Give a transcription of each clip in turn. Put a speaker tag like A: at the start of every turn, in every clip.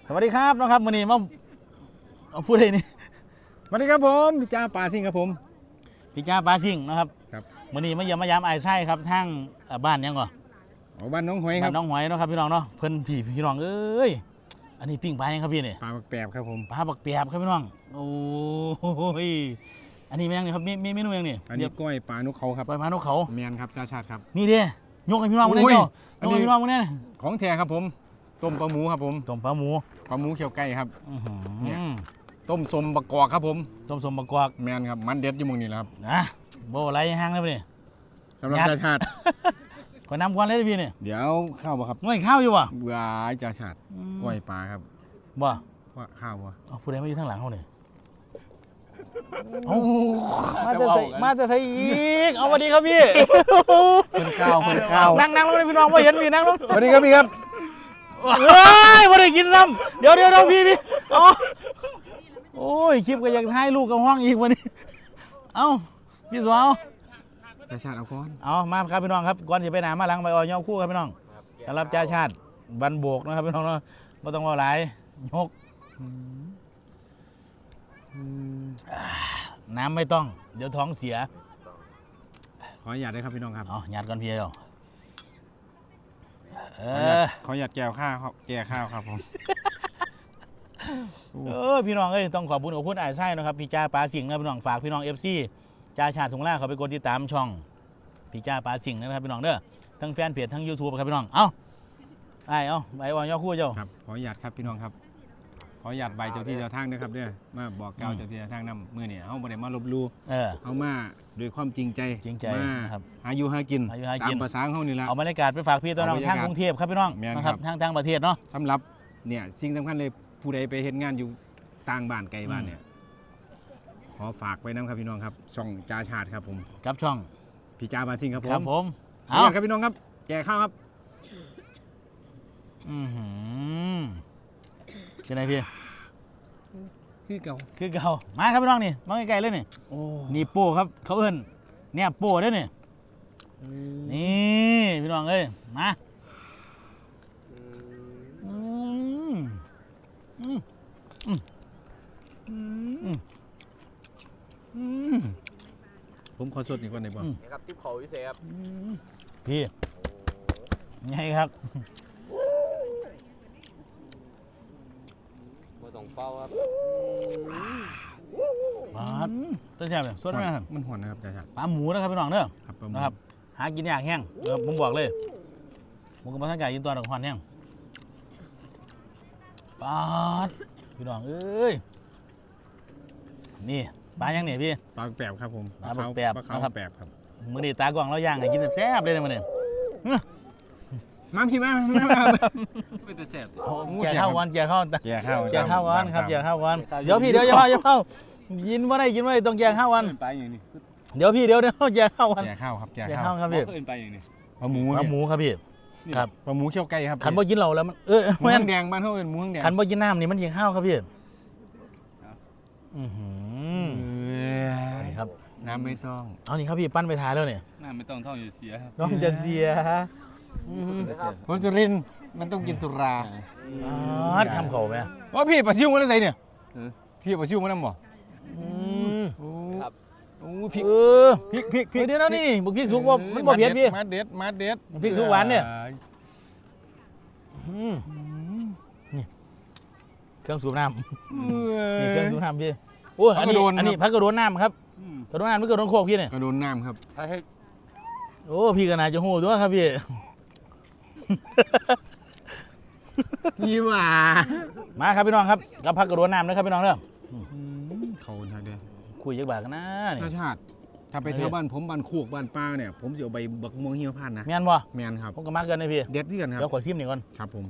A: สวัสดีครับน้องครับวันนี้มาพูดอะไรนี่
B: สวัสดีครับผมพี่จ้าปลาซิ่งครับผม
A: พี่จ้าปลาซิ่งนะครับ
B: ครับ
A: วันนี้มาเยี่ยมมายามไอ้ไส้ครับทางบ้านยังก่อน
B: บ้านน้องหอยครับ
A: บ้านน้องหอยเนาะครับพี่น้องเนาะเพิ่นพี่น้องเอ้ยอันนี้ปิ้งปลายังครับพี่นี่
B: ปลาบักแปบครับผม
A: ปลาบักแปบครับพี่น้องโอ้ยอันนี้เป็นยังไงครับมีเมนูยังนี่
B: อันนี้ก้อยปลานกเขาครับ
A: ปลาพานกเขา
B: แมนครับชาชาติครับ
A: นี่เด้ยกให้พี่น้องมาเนี่ยเจ้ายกให้พี่น้องมาเนี่ย
B: ของแท้ครับผมต้มปลาหมูครับผม
A: ต้มปลาหมู
B: เคี่ยวไก่ครับ
A: เนี่ย
B: ต้มสมบักกอกครับผม
A: ต้มสมบักกอก
B: แมนครับมันเด็ดอยู่มุงนี่แหละครับ
A: นะโบอะไรห้างเลยพี่
B: สำหรับชาชาติ
A: ขอน้ำควันเลยพี่นี่
B: เดี๋ยวข้าวบ่ครับ
A: ง่วยข้าวอยู่วะ
B: เบื่อชาชาติก้อยปลาครับ
A: บ่
B: ว่าข้าวบ่
A: ผู้ใดมาอยู่ทางหลังเขาเนี่ยมาจะใส่อีกเอาสวัสดีครับพี่
B: เพิ่นข้าว
A: นั่งลงเลยพี่น้องว่าเห็นพี่นั่งลง
B: สวัสดีครับพี่ครับ
A: เฮ้ยไม่ได้กินน้ำเดี๋ยวพี่โอ้ยคลิปก็อยากถ่ายลูกกับห้องอีกวันนี้เอ้าพี่สาว
B: ชาชาติเอาก้อน
A: เอามาครับพี่น้องครับก่อนจะไปหนามาหลังไปออยย่อคู่ครับพี่น้องสำหรับจ่าชาติบันโบกนะครับพี่น้องเนาะไม่ต้องว่าหลายยกน้ำไม่ต้องเดี๋ยวท้องเสีย
B: ขออนุญาตได้ครับพี่น้องครับ
A: หยาดก่อนพี่เจ้า
B: ขออนุญาตแก้ข้าวครับผม
A: พี่น้องต้องขอบคุณไอ้ไส้นะครับพี่จ้าปลาสิงห์นะพี่น้องฝากพี่น้องFCจ่าชาติถุงล่าเขาไปกดติดตามช่องพี่จ้าปลาสิงห์นะครับพี่น้องเด้อทั้งแฟนเพจทั้ง YouTube ครับพี่น้องไปวันย่อคู่เจ้า
B: ครับขออนุญาตครับพี่น้องครับขออนุญาตใบเจ้าที่เจ้าทางด้วยครับเด้อมาบอกกล่าวเจ้าที่เจ้าทางนำมื้อนี้เฮาบ่ได้มาลบลู่เฮามาด้วยความจริงใจมาหาอยู่หากินตามภาษาเฮานี่ล่ะ
A: เอาบรรยากาศไปฝากพี่ตัวน้องทางกรุงเทพครับพี่น้องนะครับทางประเทศเนาะ
B: สำหรับเนี่ยสิ่งสำคัญเลยผู้ใดไปเฮ็ดงานอยู่ต่างบ้านไกลบ้านเนี่ยขอฝากไว้นะครับพี่น้องครับช่องจ่าชาติครับผม
A: กับช่อง
B: พี่จ่าบาซิงครับผม
A: ครับผม
B: เอาครับพี่น้องครับแก่ข้าวครับ
A: เป็นไงพี่
B: คือเก่า
A: มาครับพี่น้องนี่มาใกล้ๆเลยนี่โป้ครับเขาเอิ้นเนี่ยโป้เด้อนี่พี่น้องมา
B: ผมขอสดอีกก่อนได้บ่
C: ครับทิปเขาพิเศษครับ
A: พี่ไงครับ
C: มาส่งเป้าครับ
A: ต้นแช่เนี่ยสดไหมครับ
B: มันหอนนะครับจ่าชาติ
A: ปลาหมูนะครับพี่น้องเด้อ
B: นะครับ
A: หากินยากแห้งผมบอกเลยผมกับท่านไก่ยินตัวดอกควันแห้งปลาพี่น้องนี่ปลายังเนี่ยพี่
B: ปลาแปบครับผม
A: ปลาแปบ
B: นะครับแปบครับ
A: มื้อนี้ตากล้องเราย่างให้กินแซ่บเลยนะมื้อนี้
B: มาพี่มาไม่แต่แซ่บ
A: แก่ข้าววัน
B: แก่ข้าววัน
A: ครับแก่ข้าววันเดี๋ยวพี่เดี๋ยวอย่าเข้ายินว่าได้ต้องแก่ข้าววัน
B: ไปอย่างนี้
A: เดี๋ยวพี่เดี๋ยวแก่ข้าววัน
B: แก่ข้าวครับ
A: แก่ข้าวครับพี่
C: ไปอย่างนี้
B: ปลาหมู
A: ครับพี่ครับ
B: ปลาหมูเคี่ยวไก่ครับ
A: ขันบ่กินเหล้าแล้วมัน
B: หมูแดงบ้านเขาเป็นหมูแดง
A: ขันบ่กินน้ำนี่มันกินข้าวครับพี่ครับ
B: น้ำไม่ต้อง
A: เอานี่ครับพี่ปั้นไปทายแล้วเนี่ย
C: น้ำไม่ต้องท่องอย่าเสีย
A: ต้องจะเสีย
B: คนสุรินทร์มันต้องกินตุรา
A: ทำเขาไหม
B: ว่าพี่ปลาซิวมันอะไรเนี่ยพี่ปลาซิวมันน้ำบ่
C: ครับ
B: พริก
A: เดี๋ยวนี่บุกพริกสุกว่ามันบ่เผ็ดพี่
B: มาเด็ด
A: พริกสุกหวานเนี่ยนี่เครื่องสูบน้ำนี่เครื่องสูบน้ำพี่โอ้อันนี้พักกระโดดน้ำครับกระโดดน้ำไม่กระโดดโคกพี่เนี่ย
B: กระโดดน้ำครับ
A: โอ้พี่ก็น่าจะโหดด้วยครับพี่
B: ยี่หว่า
A: มาครับพี่น้องครับกับพักกระโดดน้ำนะครับพี่น้องเด้อ
B: เขาทางเดียว
A: คุยยักบากนะ
B: นี่ชาติถ้าไปเที่ยวบ้านผมบ้านโคกบ้านป้าเนี่ยผมจะเอาใบบักม่วงหิมพานต์นะ
A: แม่นบ่
B: แม่นครับ
A: ผมก็มาเกินเลยพี่
B: เด็ดที่กันครับ
A: เดี๋ยวขอชิมหน่อยก่อน
B: ครับผม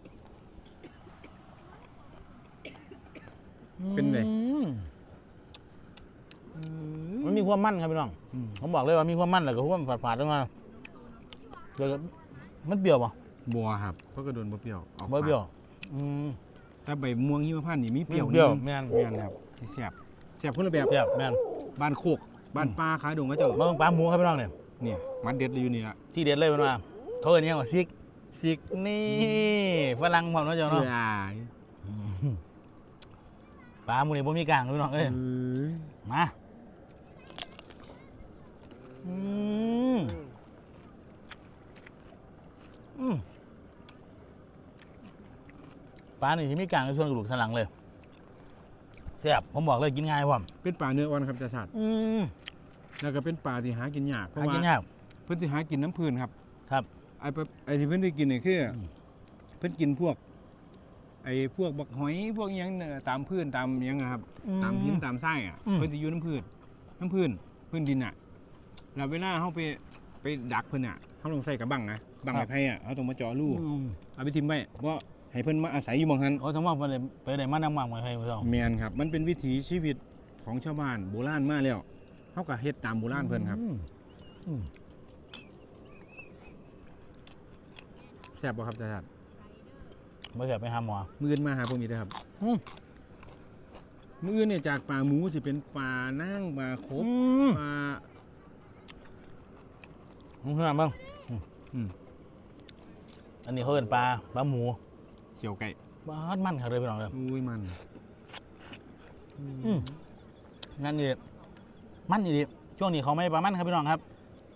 B: เป็นไง
A: มันมีความมั่นครับพี่น้องผมบอกเลยว่ามีความมั่นแหละก็ความฝาดๆลงมาเดี๋ยวมันเปรี้ยวป่ะ
B: บัวครับเพราะกระโดนบัวเปรี้ยว
A: บัวเปรี้ยว
B: ถ้าใบม่วงหิมพานต์นี่มีเปรี้ยว
A: แม่น
B: ครับที่แซ่บคนละแบบ
A: แม่น
B: บ้านโคกบ้านป้าขายดงก็เจ้า
A: บ้านปลาหมูครับพี่น้องเนี่ย
B: มันเด็ดเลยอยู่นี่ละ
A: ที่เด็ดเลยมันว่าเขาเรียกว่าซิกนี่ฝรั่งผมนะเจ้าเนาะปลาหมูนี่บ่มีกลางพี่น้องเอ้ยมาปลานี่ที่มีกลางในส่วนกระดูกสันหลังเลยแซ่บผมบอกเลยกินง่ายว่ะ
B: เป็นปลาเนื้ออ่อนครับจ่าชาติแล้วก็เป็นปลาที่หากินยากเพราะว่าเพิ่นสิหากินน้ำพื้นครับ
A: ครับ
B: ไอ้ที่เพิ่นได้กินนี่คือเพิ่นกินพวกพวกบักหอยพวกยังตามพื้นตามยังนะครับตามหินตามทรายอ่ะเพิ่นจะอยู่น้ำพื้นดินอ่ะแล้วเวลาเขาไปดักเพิ่นอ่ะเขาต้องใส่กระบังนะบังไม้ไผ่อ่ะเขาต้องมาเจาะรูเอาไปทิ่มไว้เพราะให้เพิ่นมาอาศัยอยู่หม้องหัน
A: สมมติว่าไปได้มานำหมักไม้ไผ่เพิ่น
B: แม่นครับมันเป็นวิถีชีวิตของชาวบ้านโบราณมาแล้วเขาก็เฮ็ดตามโบราณเพิ่นครับแซ่บบ่ครับจ่าชาติ
A: ไม่แซ่บไปหาหมอ
B: มื้ออื่นมาหาผมอีกนะครับมื้ออื่นเนี่ยจากปลาหมูสิเป็นปลานั่งปลาคบปลา
A: มึงขนาดบ้างอันนี้เขาเป็นปลาหมู
B: เขียวไก่
A: บ้านมันเขาเลยไปลองเลย
B: อุ้ยมัน
A: นั่นนี่มันนี่ดิช่วงนี้เขาไม่ปลามันครับพี่น้องครับ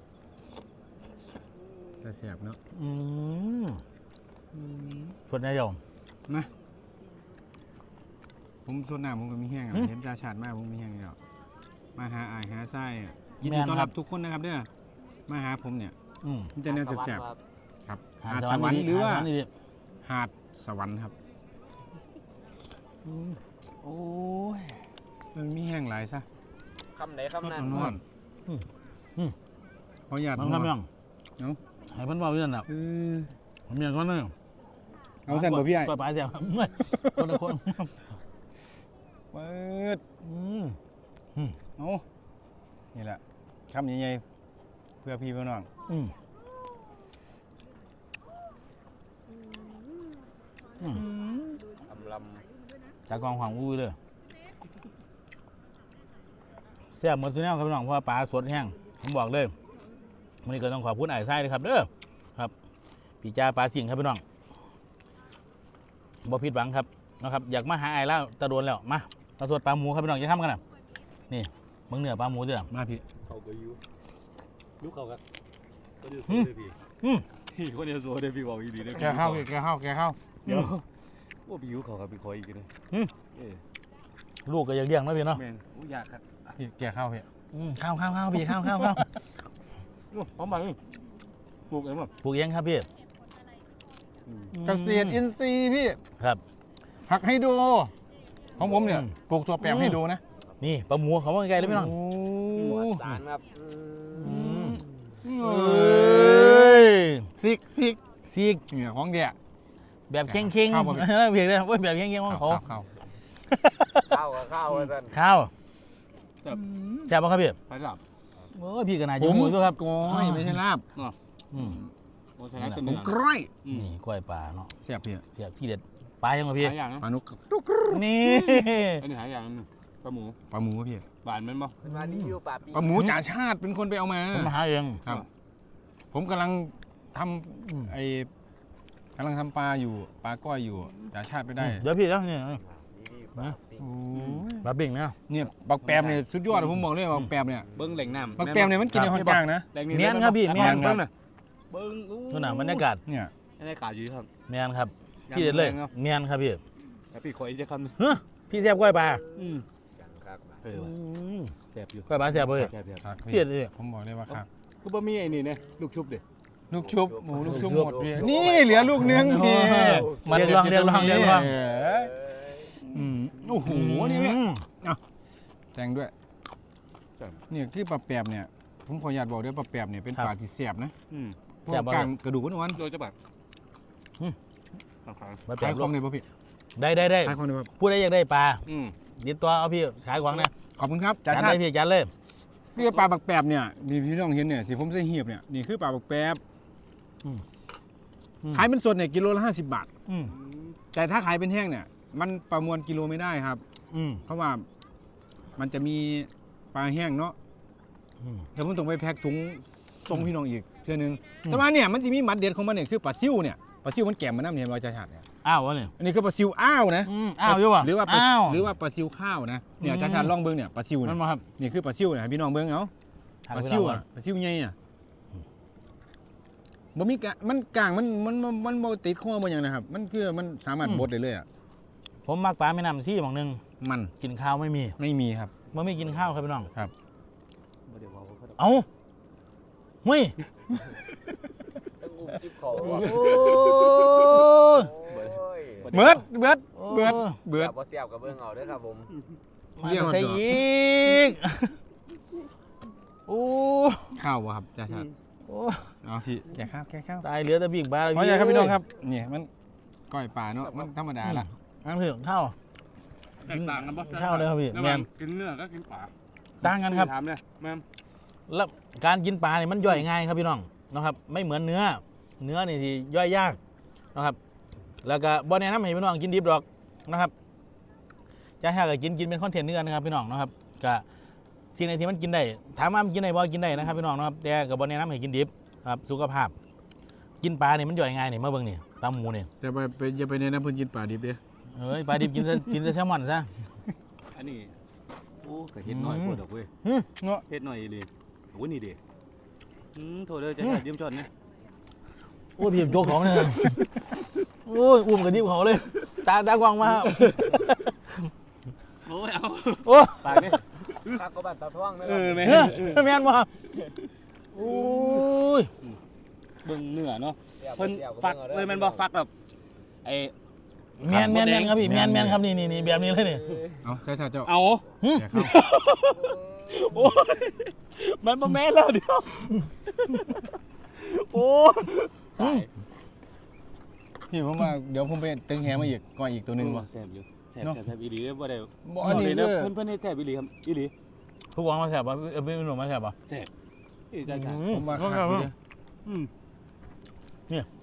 B: แต่แสบเนาะ
A: สดแน่ยอม
B: นะผมสดหน้าผมก็มีแห้งเห็นจ่าชาติมากผมมีแห้งแล้วมาหาอายหาไส้ยินดีต้อนรับทุกคนนะครับเนี่ยมาหาผมเนี่ยมันจะแนวแสบๆครับหาดสวรรค์หรือว่าหาดสวรรค์ครับโอ้ยมันมีแห้งหลายซะ
C: คำไหนคำนั้น
B: ขอหยาด
A: มันคำยังให้เพิ่นบอกอยู่นั่นน่ะผมอยากว่านั่น
B: เอาสั่นบ่พี่ไอ้
A: ก็ปลาแซ่บคนละคน
B: เปิดเอานี่แหละคำใหญ่ๆเพื่อพี่เพื่อน้อง
C: ล
A: ำจากกองขวางอุ้ยเลยแซ่บหมดสุดแล้วครับพี่น้องเพราะปลาสดแห้งผมบอกเลยวันนี้ก็ต้องขอบคุณไอ้ไส้เลยครับเด้อครับพี่จ่าปลาสิงครับพี่น้องบ่ผิดหวังครับนะครับอยากมาหาไอ้แล้วตะโดนแล้วมาปลาสดปลาหมูครับพี่น้องจะทำกันนะนี่มึงเหนือปลาหมูเด้อ
B: มาพี่
C: เขาก็ยูลูกเขาครับก็เดียวโซ่เลยพี่คนเดียวโซ่เลยพี่บอกอีดีเลย
B: แกเข้า
C: เดี๋ยวว่าพี่ยูเขาครับพี่คอยอีกเลย
A: ลูกก็อยากเลี้ยงนะพี่เนาะ
C: อยากครับ
B: แกเข้าพี่
A: ข้าวพี่ข้าว
C: พร้อมไหมปลูกเองมั้ง
A: ปลูกเองครับพี่
B: เกษตรอินทรีย์พี่
A: ครับ
B: ผักให้ดูของผมเนี่ยปลูกตัวแปมให้ดูนะ
A: นี่ปลาหมูเขาว่าไงเลยพี่น้อง
C: หมวดสารครับ
A: ซิก
B: เนี่ยของเดีย
A: แบบเข่งเพียงเลยว่าแบบเข่งของเขา
C: ข้าวเลยท่าน
A: ข้าวจับป่ะครับพี่
C: ไปจับ
A: โอ้พี่กันนายจะหมูด้วยครับ
B: ก้อยไม่ใช่ลาบ
C: ผม
B: กล้อย
A: นี่กล้วยปลาเนาะ
B: เสียบพี่
A: เสียบที่เด็ดปลายังไงพี่
B: ปลานุก
A: นี่
C: อันนี้หายอย่างนึงปลาหมู
B: พี่
C: บานมันบ่
B: ปลาหมูจ่าชาติเป็นคนไปเอามา
A: ผมมาหาเอง
B: ครับผมกำลังทำปลาอยู่ปลาก้อยอยู่จ่าชาติไปได้
A: เดี๋ยวพี่แล้วเนี่ยปลาบิ่งนะ
B: เนี่ยบักแปมเนี่ยสุดยอดผมบอกเลยบักแปมเนี่ย
C: เบิ้งแหล่งน้ำ
B: บักแปมเนี่ยมันกินในห้องกลางนะ
A: เมียนครับพี่เมียนครับ
C: เบิ้ง
A: นู่นน่ะบรรยากาศ
B: เนี่ย
C: บรรยากาศอยู่ครับ
A: เมียนครับที่เด็ดเลยเมียนครับพี่
C: แล้วพี่คอยจะคำ
A: เฮ้ยพี่แซ่บกล้วยปลา
C: แซ่บอยู่
A: กล้วยปลาแซ่บเลยพี่เด็ดเลย
B: ผมบอกเลยว่าครับ
C: คือบะหมี่ไอ้นี่เนี่ยลูกชุบดิ
B: ลูกชุบหมูลูกชุบหมดพี่นี่เหลือลูกนึงพี่
A: เรียกลอง
B: โอ้โหนี่พี่แต่งด้วยเนี่ยที่ปลาแปบเนี่ยผมขออนุญาตบอกด้วยปลาแปบเนี่ยเป็นปลาที่แสบนะพวกกลางกระดูกนวล
C: โดยจะแบบ
B: ขายของเลยป่ะพี่
A: ได้
B: ขายของเลยป่ะ
A: พูดได้ยังได้ปลาดิตัวเอาพี่ขายของนะ
B: ขอบคุณครับ
A: จัดเลยพี่จัดเลย
B: นี่ปลาปลาแปบเนี่ยนี่พี่น้องเห็นเนี่ยที่ผมใส่เหียบเนี่ยนี่คือปลาแปบขายเป็นสดเนี่ยกิโลละ50 บาทแต่ถ้าขายเป็นแห้งเนี่ยมันประมวลกิโลไม่ได้ครับเพราะว่ามันจะมีปลาแห้งเนาะเดี๋ยวผมต้องไปแพ็คถุงส่งพี่น้องอีกเท่านึงแต่ว่าเนี่ยมันจะมีมัดเด็ดของมันเนี่ยคือปลาซิ่วเนี่ยปลาซิ่วมันแก่มมันน้ำเนี่ยเราจะฉาดเนี่ย
A: อ้าววะเนี่ย
B: อันนี้คือปลาซิวอ้าวนะ
A: อ้าวอยู่ป่ะ
B: หรือว่า
A: อ้าว
B: หรือว่าปลาซิวข้าวนะเนี่ยชาติลองเบิ้งเนี่ยปลาซิว
A: นั่
B: นะ
A: นมาครับ
B: นี่คือปลาซิวนะพี่น้องเบิ้งเอาปลาซิวอ่ะปลาซิวใหญ่อ่ะบ่มีกะมันกลางมันบ่ติดคอบ่หยังนะครับมันคือมันสามารถบดได้เลยอ่ะ
A: ผมมักปลาแม่น้ำซี่หม่องหนึง
B: มัน
A: กินข้าวไม่มี
B: ไม่มีครับ
A: มันไม่กินข้าวครับพี่น้อง
B: ครับ
C: บ่ได้ว่าเขา
A: เอ้าเฮ้ย
D: ต้องอุ้มจิ๊บเขา
A: โอ้
D: บ่
A: ย
D: โอ้ย
B: เบิดเบิด
D: บ่เสียบกับเบิ่งเอาเด้อครับผม
A: มาใส่อีกโอ้
B: ข้าวบ่ครับชาติ
A: โอ้
B: เอาพี่แกะข้าวแกะข้าว
A: ตายเหลือแต่ปีกปลาแล้ว
B: เพราะไงครับพี่น้องครับนี่มันก้อยปลาเนาะมันธรรมดาล่ะ
A: อันคือข้าว
C: แตกต่างกันปะ
A: ข้าวเลยครับพี่
C: ระห
A: แม่
C: ว่าง
A: น
C: กินเนื้อก็กินปลา
A: ต่างกันครับ
C: ถามเลยแม่ม
A: แล้วการกินปลาเนี่ยมันย่อยง่ายครับพี่น้องนะครับ ไม่เหมือนเนื้อนี่ที่ย่อยยากนะครับ แล้วก็บ่แนะนำให้พี่น้องกินดิบดอกนะครับจะให้ก็กินเป็นคอนเทนต์เนื้อนะครับพี่น้องนะครับก็สิ่งไหนที่มันกินได้ถามว่ามันกินได้บ่กินได้นะครับพี่น้องนะครับแต่ก็บ่แนะนำให้กินดิบครับสุขภาพ กินปลาเนี่ยมันย่อยง่ายนี่มาเบิ่งนี่ตามหมูนี่
B: แต่ไปอย่าไปแนะนำเพิ่นกินปลาดิบเด้อ
A: เอ้ยปลาดิบกินแต่แซลมอนซะ
C: อันนี้โอ้ก็เฮ็ดน้อยกว่าดอกเว้ย
B: เนาะ
C: เฮ็ดน้อยเลยโอ้นี่ดิโทษเด้อจะยืมช็อตนะ
A: โอ้ยพี่โจกของเนี่ยโอ้ยอุ้มกับดิบเขาเลยตากวางมา
C: โอ้ยเอา
A: โอ้
C: ปากนี่
D: คักก็บ้านตาท่วงนะค
C: เอ
D: รับ
C: อแม่
A: แม่นบ่โอ้ย
C: เบิ่งเนื้อเนาะ
D: เพิ่
C: เพิ่นฟักเลยแม่นบ่ฟักแบบไอ้
A: แม่นครับพี่แม่นครับนี่แบบนี้เลยนี่
B: เอาชาติเจ้า
C: เอา
B: แกะข้าว
C: โอ้ยมันบ่แม่นแล้วเดี๋ยวโอ้ย
B: พี่ผมว่าเดี๋ยวผมไปตึงแหมาอีกก้อยอีกตัวหนึงบ่
C: แซ่บอยู่แซ่บอีหลีบ่ได้
B: บ่อันนี้
C: เด้
B: คือ
C: เพิ่นเฮ็ดแซ่บอีหลีครับอีหลี
A: ทุกวางมาแสบป่ะพี่หนุ่มมาแสบป่ะ
C: แซ่บอีจ้า
B: ผมว่าขาดอยู่เด้อ
C: อืม
A: เนี่ย